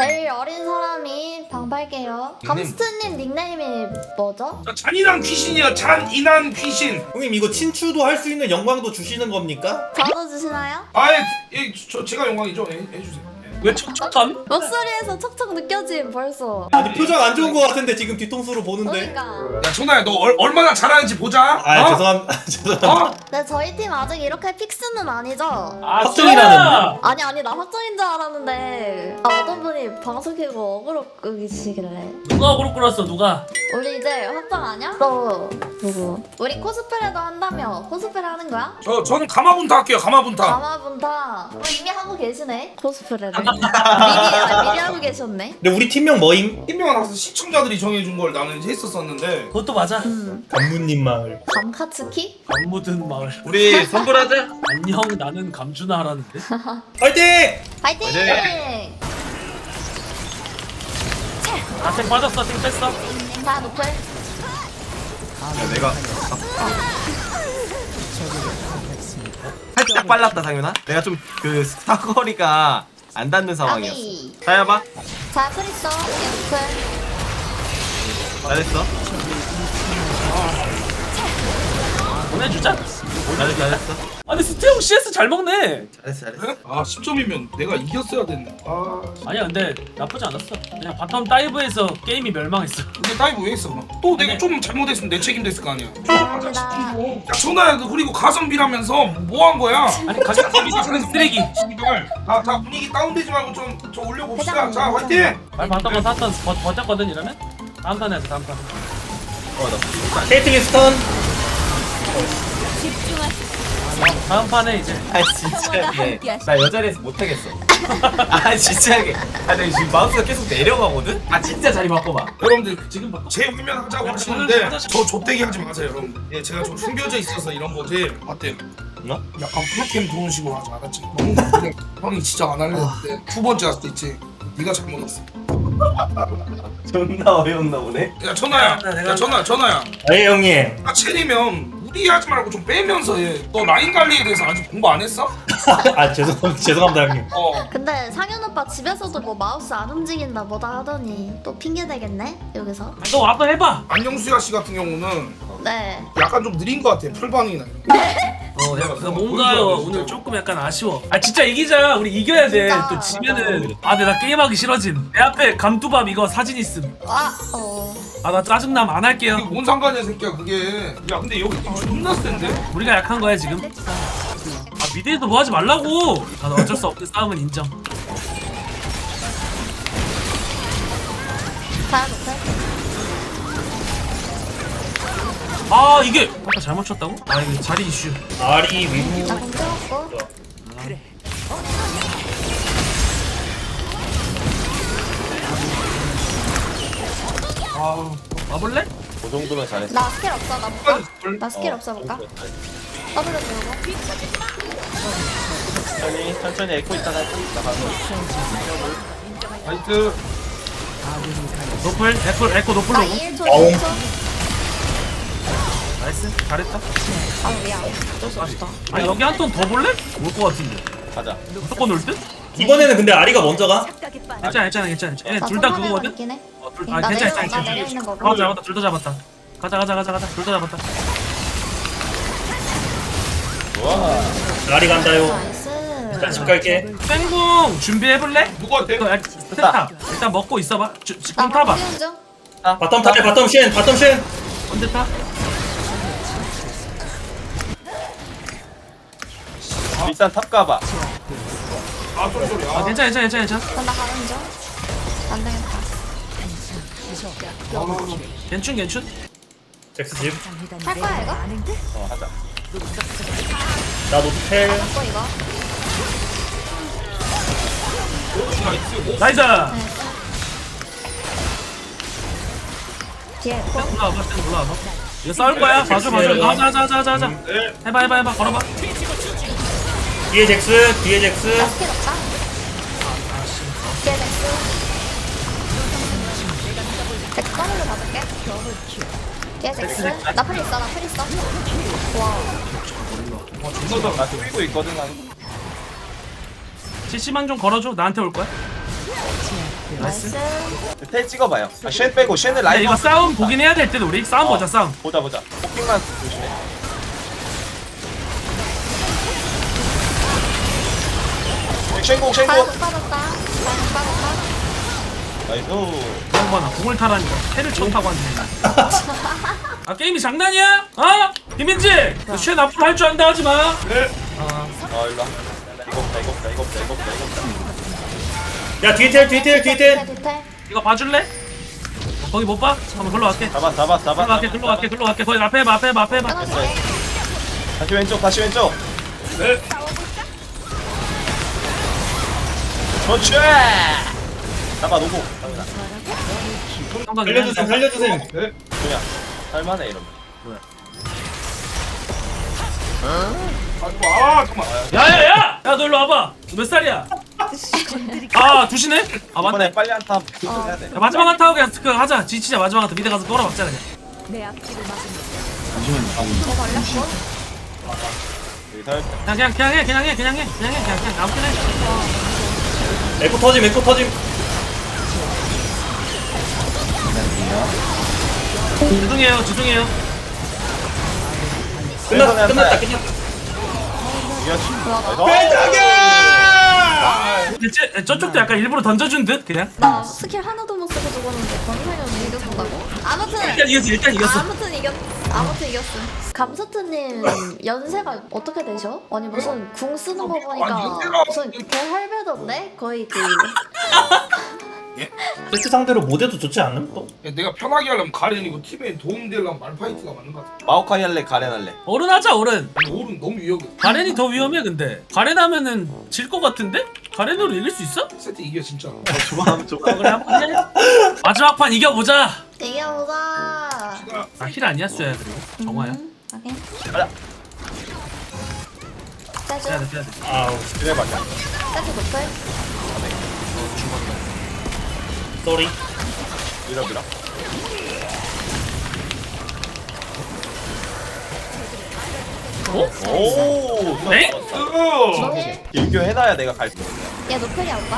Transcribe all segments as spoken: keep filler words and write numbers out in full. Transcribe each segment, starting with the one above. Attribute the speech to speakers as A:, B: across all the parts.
A: 제일 어린 사람이 방팔게요. 감스트님 닉네임이 뭐죠?
B: 자, 잔인한 귀신이요. 잔인한 귀신.
C: 형님 이거 친추도 할 수 있는 영광도 주시는 겁니까?
A: 저도 주시나요?
B: 아예 예, 저 제가 영광이죠. 예, 해주세요. 예.
D: 왜 촉촉함?
A: 목소리에서 척척 느껴짐 벌써.
C: 아니 표정 안 좋은 거 같은데 지금 뒤통수로 보는데.
A: 그러니까.
B: 야 천하야 너 얼, 얼마나 잘하는지 보자.
C: 아
B: 어?
C: 죄송합니다. 죄송합니다.
B: 어?
A: 근데 저희 팀 아직 이렇게 픽스는 아니죠?
D: 아,
C: 확정이라는데?
A: 아니 아니 나 확정인 줄 알았는데 아, 어떤 분이 방송 켜고 어그로 끄기시길래
D: 누가 어그로 끌었어 누가?
A: 우리 이제 확정 아니야? 너 누구? 우리 코스프레도 한다며 코스프레 하는 거야?
B: 저 저는 가마분타 할게요. 가마분타.
A: 가마분타 어, 이미 하고 계시네 코스프레를 미리, 아, 미리 하고 계셨네.
C: 근데 우리 팀명 뭐임?
B: 팀명은 항상 시청자들이 정해준 걸 나는 했었었는데.
D: 그것도 맞아.
A: 음
C: 감무님 마을.
A: 감카츠키?
D: 안 묻은 마을.
E: 우리 선불하자.
D: 안녕 나는 감준하라는데.
C: 파이팅!
A: 파이팅!
D: 아생 빠졌어 생 뺐어.
A: 자 노플
E: 야, 내가 살짝 빨랐다 상윤아. 내가 좀 그 스타거리가 안 닿는 상황이었어.
A: 아비
E: 자야봐.
A: 자 크리스터 노플
E: 잘했어.
D: 보내주자.
E: 잘했어 잘했어.
D: 아니 스테형 씨에스 잘 먹네.
E: 잘했어 잘했어.
B: 네? 아 십 점이면 내가 이겼어야 됐네. 아
D: 아니야 근데 나쁘지 않았어. 그냥 바텀 다이브에서 게임이 멸망했어.
B: 근데 다이브 왜 했어 그럼? 또 내가
D: 아니.
B: 좀 잘못했으면 내 책임 됐을 거 아니야.
A: 감사합니다.
B: 야 천하야 너 그리고 가성비라면서 뭐 한 거야?
D: 아니 가격이 작은 쓰레기.
B: 다, 다 분위기 다운되지 말고 좀, 좀 올려봅시다. 자 화이팅!
D: 말 봤던 거 샀던 버, 버텼거든 이러면? 다음 판에 하자 다음 판.
E: 어나
C: 케이틀린 스턴.
D: 다음 판에 이제
E: 아 진짜게 나 여자리에서 못하겠어. 아 진짜게. 아 내가 지금 마우스가 계속 내려가거든. 아 진짜 자리 바꿔봐.
B: 여러분들 지금 제 화면 하자고 하시는데 저 좆대기 하지 마세요 여러분. 예 제가 좀 숨겨져 있어서 이런 거지. 어때요?
E: 어?
B: 약간 프로캠 좋은 식으로 하지 알았지? 너무 그냥 형이 진짜 안 할래 했는데 두 번째 할 수도 있지. 네가 잘못했어.
E: 존나 어이없나 보네.
B: 야 천하야, 야 천하, 천하야.
C: 아예 형님.
B: 아 체리면 무리하지 말고 좀 빼면서 해. 너 라인 관리에 대해서 아직 공부 안 했어?
C: 아 죄송 죄송합니다 형님.
B: 어.
A: 근데 상현 오빠 집에서도 뭐 마우스 안 움직인다 뭐다 하더니 또 핑계 대겠네 여기서.
D: 너 와서 해봐.
B: 안녕수야 씨 같은 경우는
A: 네.
B: 약간 좀 느린 것 같아. 풀반응이나 이런 거.
D: 어, 야, 그 뭔가요? 오늘 조금 약간 아쉬워. 아 진짜 이기자. 우리 이겨야 돼.
A: 진짜,
D: 또 지면은 아, 근데 나 게임하기 싫어짐. 내 앞에 감두밥 이거 사진 있음.
A: 아 어.
D: 아, 나 짜증남 안 할게요.
B: 이게 뭔 상관이야 새끼야 그게. 야 근데 여기 좀 존나 센데?
D: 우리가 약한 거야 지금. 아 미드에서 뭐 하지 말라고. 아, 나 어쩔 수 없는 싸움은 인정.
A: 자 노플.
D: 아 이게 아까 잘못 쳤다고? 아 이게 자리 이슈.
C: 아리 위무.
A: 나공 채웠고.
D: 아 와볼래?
E: 그 정도면 잘했어.
A: 나 스킬 없어 나 볼까? 나 스킬 없어 볼까? 더블로 들고.
E: 천천히 천천히 에코 있다가 나 가서.
B: 나이스.
D: 노플 에코 에코 노플
A: 나
D: 로고.
A: 일 초
C: 어우.
A: 일 초.
D: 나이스 잘했다.
A: 아 미안. 어쩔 수 없다.
D: 아니 여기 한 턴 더 볼래? 올 것 같은데.
E: 가자.
D: 무조건 올 듯?
C: 이번에는 근데 아리가 먼저 가.
D: 괜찮아 괜찮아 괜찮아. 얘네
A: 나
D: 둘 다
A: 손하면
D: 그거거든?
A: 있긴 해.
D: 어, 둘, 아
A: 나
D: 괜찮아
A: 내려-
D: 괜찮아
A: 나 내려 있는
D: 괜찮아.
A: 거고.
D: 어 잡았다 둘 다 잡았다. 가자 가자 가자 가자 둘 다 잡았다.
E: 와.
C: 아리 간다요.
A: 나이스.
C: 일단 집 갈게.
D: 땡궁 준비해볼래?
B: 누구한테?
D: 이거 약- 스탑 일단 먹고 있어봐. 주, 주, 공 타봐.
A: 띄운 중.
C: 바텀 타래 바텀 쉔 바텀 쉔.
D: 언제 타?
E: 일단 탑 가봐.
B: 아 쏘리 쏘리.
D: 아
B: 아,
D: 괜찮아 괜찮아 괜찮아 괜찮아.
A: 그럼 나 가는 중. 안 되겠다.
D: 괜춘 괜춘.
C: 잭스 집.
A: 할 거야 이거?
E: 어 하자.
C: 나 노텔.
A: 먹고 이거.
D: 나이스.
A: 뒤에 코.
D: 올라와봐 쌤 올라와봐. 이거 싸울 거야. 봐줘 봐줘. 이거 하자 하자 하자 하자 하자.
B: 네.
D: 해봐 해봐 해봐 걸어봐.
C: 뒤에 잭스 뒤에 잭스.
A: 나 스킬 없다. 뒤에 넥스. 넥스 더블로 받을게. 뒤에 넥스. 나 풀 있어 나 풀 있어. 와.
E: 나 뛰고 있거든. 난.
D: 씨씨만 좀 걸어줘. 나한테 올 거야.
A: 나이스.
E: 텔 찍어봐요. 아, 쉔 빼고 쉔을
D: 야,
E: 라인.
D: 이거 싸움 보긴 해야 될 듯 우리 싸움 보자 싸움.
E: 보자 보자. 포킹만 조심해. 쉔공
A: 잘
E: 쉔공.
A: 못 빠졌다. 잘못 빠졌다.
E: 나이스.
D: 양반아 공을 타라니까 패를 쳐 타고 왔네. 아 게임이 장난이야? 어? 김민지 너쉔 앞으로 할 줄 안다 하지 마.
B: 네.
E: 어 일로 와. 이거 없다 이거 없다 이거 없다 이거 없다 이거 없다.
C: 야 뒤에 텔 뒤에 텔 뒤에 텔.
A: 디테일.
D: 이거 봐줄래? 어, 거기 못 봐? 한번 글로 갈게.
E: 잡아 잡아 잡아.
D: 글로 갈게 글로 갈게 글로 갈게. 거기 앞에 해봐 앞에 해봐 앞에 해봐.
A: 끊어줄게.
E: 다시 왼쪽 다시 왼쪽.
B: 네.
E: 그렇지. 잡아 놓고.
D: 성광이
C: 살려주셈 살려주셈.
B: 네.
E: 그냥 할만해 이러면.
B: 아이고 아 잠깐만.
D: 야야야! 야 너 일로 와봐. 너 몇 살이야? 아 두시네? 아 맞네.
E: 이번에 빨리 한타 해야 돼.
D: 야, 마지막 한타 하고 그냥 그 하자. 지치자 마지막 한타 미대 가서 돌아박자 그냥.
A: 저 걸렸고.
E: 여기 살.
D: 그냥 그냥 그냥 해 그냥 해 그냥 해 그냥 해 그냥 그냥 아무튼 해.
C: 에코 터짐 에코 터짐.
D: 죄송해요 죄송해요.
C: 끝났다 끝났다 끝났다.
E: 이겼어.
D: 근데 쟤, 저쪽도 약간 일부러 던져준 듯 그냥.
A: 나 스킬 하나도 못 쓰고 죽었는데 권상현 이겼다고? 아무튼.
D: 일단 이겼어 일단 이겼어.
A: 아무튼 이겼. 아무튼 이겼음. 감스트님 연세가 어떻게 되셔? 아니 무슨 궁 쓰는 거
B: 아니,
A: 보니까
B: 연세가-
A: 무슨 개할배던데? 거의 그
C: 세트 상대로 모델도 좋지 않음? 또?
B: 야, 내가 편하게 하려면 가렌이고 팀에 도움되려면 말파이트가 맞는 것 같아.
E: 마오카이 할래 가렌 할래.
D: 어른 하자 어른.
B: 근데 오른 너무 위험해.
D: 가렌이 더 위험해 근데. 가렌 하면은 질 것 같은데? 가렌으로 이길 수 있어?
B: 세트 이겨 진짜.
E: 좋아하면 좋아.
D: 어, 그래 한번 해. 마지막 판 이겨보자.
A: 이겨보자.
D: 아 힐 아니야 쏘야 그리고 정화야.
A: 음, 오케이.
E: 가자.
A: 세주.
D: 빼야 돼 빼야 돼.
C: 아우
E: 그래 맞아.
A: 세주 노플.
C: 쏘리.
E: 밀어 밀어.
D: 어?
E: 오.
D: 네?
B: 으.
A: 노힐.
E: 일교 해놔야 내가 갈 수.
A: 얘 노플이야 오빠.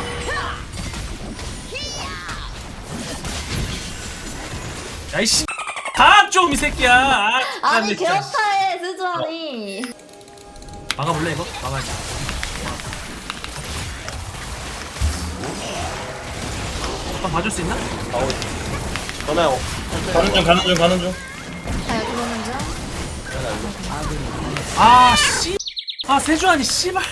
D: 야이씨. 다좀이 새끼야. 아,
A: 아니
D: 진짜.
A: 개업타해 세주아니.
D: 막아볼래 이거? 막아야지. 오빠 봐줄 수 있나?
E: 나오. 전화요.
C: 가는 중 가는 중 가는 중.
A: 자 여기 보는 중.
D: 아 씨. 아 세주아니 씨발.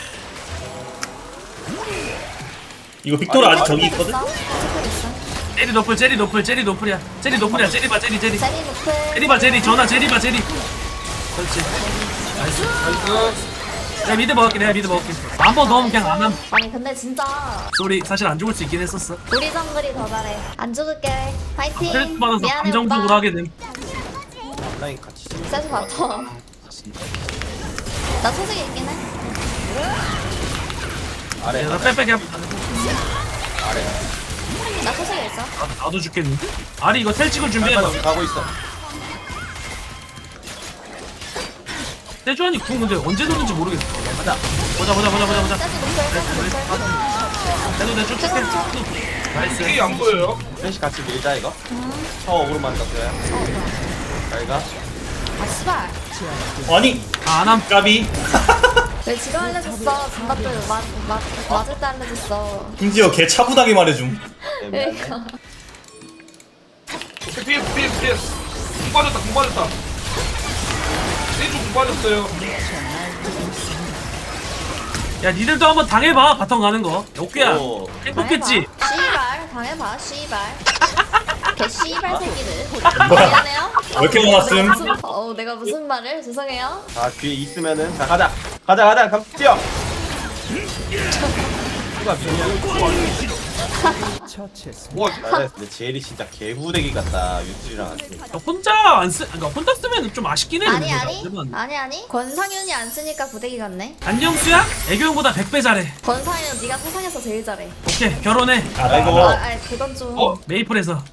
C: 이거 빅토르 아직 저기
A: 스펠
C: 있거든?
A: 있어. 스펠 있어.
D: 제리 노플 제리 노플 제리 노플이야. 제리 노플이야. 제리 봐 제리 제리.
A: 제리 노플.
D: 제리 봐 제리 전화 제리 봐 제리. 그렇지. 나이스.
B: 나이스.
D: 내가 미드 먹을게 내가 미드 먹을게. 한 번 넣으면 그냥 안 함.
A: 아니 근데 진짜
D: 쏘리 사실 안 죽을 수 있긴 했었어.
A: 우리 정글이 더 잘해. 안 죽을게. 파이팅.
D: 스트레스 받아서
A: 미안해
D: 감정적으로
A: 오빠.
D: 하게 됨.
E: 라인 같이.
A: 세주 바텀. 나 소식이 있긴 해.
E: 아래.
D: 나 빼빼게 한-
E: 아래.
A: 나 소식이 있어.
D: 아, 나도 죽겠는데? 아리 이거 텔 찍을 준비해봐.
E: 빨리 가고 있어.
D: 세주환이 궁 근데 언제 도는지 모르겠어.
E: 가자.
D: 보자 보자 보자 보자 보자.
A: 세주 노플. 세주 노플.
D: 내도 내쭉 줄게. 나이스.
B: 이게 안 보여요?
E: 셋이 같이 밀자 이거. 저 어그로만 땄어요. 잘 가.
A: 아 씨발.
C: 아니
D: 아, 안함.
C: 까비.
A: 왜 지금 알려줬어? 장갑들 맞, 맞, 맞을 때 알려줬어.
C: 심지어 개 차분하게 말해줌.
E: 네, 미안해.
A: 그러니까.
B: 오케이 피했어 피했어 피했어. 공 빠졌다 공 빠졌다. 세주 공 빠졌어요.
D: 야 니들도 한번 당해봐 바텀 가는 거. 오케야.
E: 오.
D: 행복했지?
A: 씨발 당해봐 씨발. 개 씨발 새끼들. 미안해요.
C: 왜 이렇게 많았음?
A: 무슨- 어 내가 무슨 말을 죄송해요.
E: 아 뒤에 있으면은 자 가자. 가자 가자. 감 뛰어. 누가 비냐?
B: 와
E: 나 근데 제일이 진짜 개후대기 같다. 유튜브랑 같이.
D: 야, 혼자 안 쓰, 그러니까 혼자 쓰면 좀 아쉽긴 해.
A: 아니
D: 근데.
A: 아니
D: 그러면.
A: 아니 아니 권상윤이 안 쓰니까 부대기 같네.
D: 안녕수야? 애교형보다 백 배 잘해.
A: 권상윤 네가 세상에서 제일 잘해.
D: 오케이 결혼해.
C: 아,
E: 아이고.
C: 나,
A: 아,
C: 나.
A: 아니 그건 좀.
B: 어?
D: 메이플에서.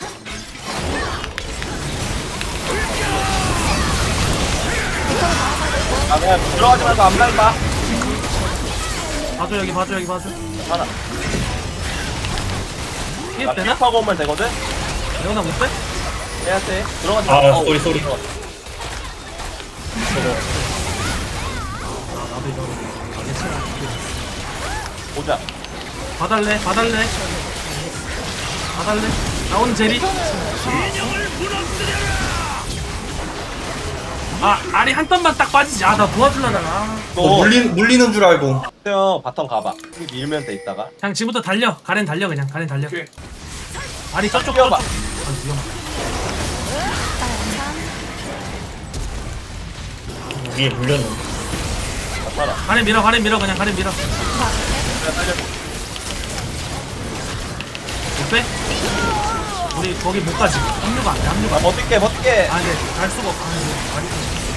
E: 아 그냥 들어가지 말고 앞라인 봐.
D: 봐줘 여기 봐줘 여기 봐줘.
E: 하나.
D: 피해
F: 나
D: 되나?
F: 픽하고 오면 되거든?
D: 레오나 못 빼?
F: 해야 돼. 들어가지
C: 아,
F: 마. 어,
C: 쏘리, 쏘리.
F: 들어가.
D: 나도 이거 괜찮아.
F: 보자.
D: 봐달래 봐달래 봐달래 나오는 제리 아 알이 한 땀만 딱 빠지지 아 나 도와주려다가
C: 어,
F: 너
C: 물리, 물리는 줄 알고.
F: 형 바텀 가봐. 여기 밀면 돼 있다가.
D: 그냥 지금부터 달려 가렌 달려 그냥 가렌 달려
B: 오케이.
D: 알이 저쪽
F: 뛰어봐.
D: 아 위험하다
C: 위에 물렸는데.
F: 나 따라.
D: 가렌 밀어 가렌 밀어 그냥 가렌 밀어
F: 내가 살려.
D: 못 빼? 우리 거기 못 가지 합류가 안돼 합류가
F: 나 버틸게 버틸게.
D: 아니 갈 수가 없어 아니 말이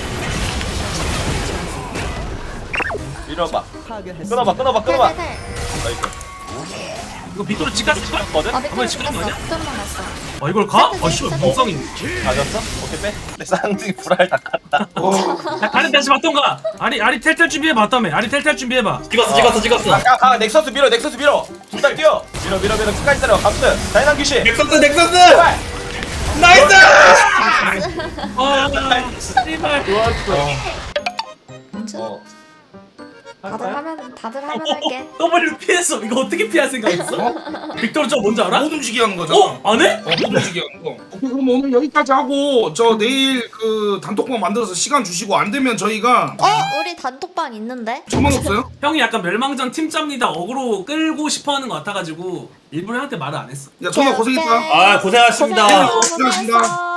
F: 밀어봐. 끊어봐 끊어봐 끊어봐.
A: 텔텔텔.
F: 나이스.
D: 이거 빅토르 집 갔을 거야?
F: 거든?
A: 아
D: 한번
A: 빅토르
D: 지금
A: 죽었어.
D: 뭐냐?
A: 빅토르만 갔어.
D: 어 이걸 가? 아 씨발 멍성이
F: 가졌어? 오케이 빼. 내 쌍둥이 불알 다 깠다.
D: 야 가렌 다시 봤던가 아리 아리 텔텔 준비해봐 다음에 아리 텔텔 준비해봐
C: 찍었어, 찍었어, 찍었어.
F: 가, 가, 넥서스 밀어, 넥서스 밀어. 둘 다 뛰어. 밀어, 밀어, 밀어. 끝까지 따라. 감스. 다이난 귀신.
C: 넥서스, 넥서스!
F: 제발.
C: 나이스!
D: 아 씨발
A: 뭉쳐.
F: 어.
A: 다들 하면 다들 하면 할게.
D: 더블을 피했어 이거 어떻게 피할 생각했어? 빅토르 저 뭔지 알아?
B: 못 움직이게 하는 거잖아.
D: 어? 안 해?
B: 어, 못 움직이게 하는 거. 오케이, 그럼 오늘 여기까지 하고 저 내일 그 단톡방 만들어서 시간 주시고 안 되면 저희가
A: 어 우리 단톡방 있는데.
B: 저만 없어요?
D: 형이 약간 멸망전 팀짭니다 어그로 끌고 싶어하는 것 같아가지고 일부러 형한테 말을 안 했어
B: 야, 정말 고생했다.
A: 오케이.
C: 아, 고생하셨습니다.
A: 고생했어,
B: 고생하셨습니다.
A: 고생했어.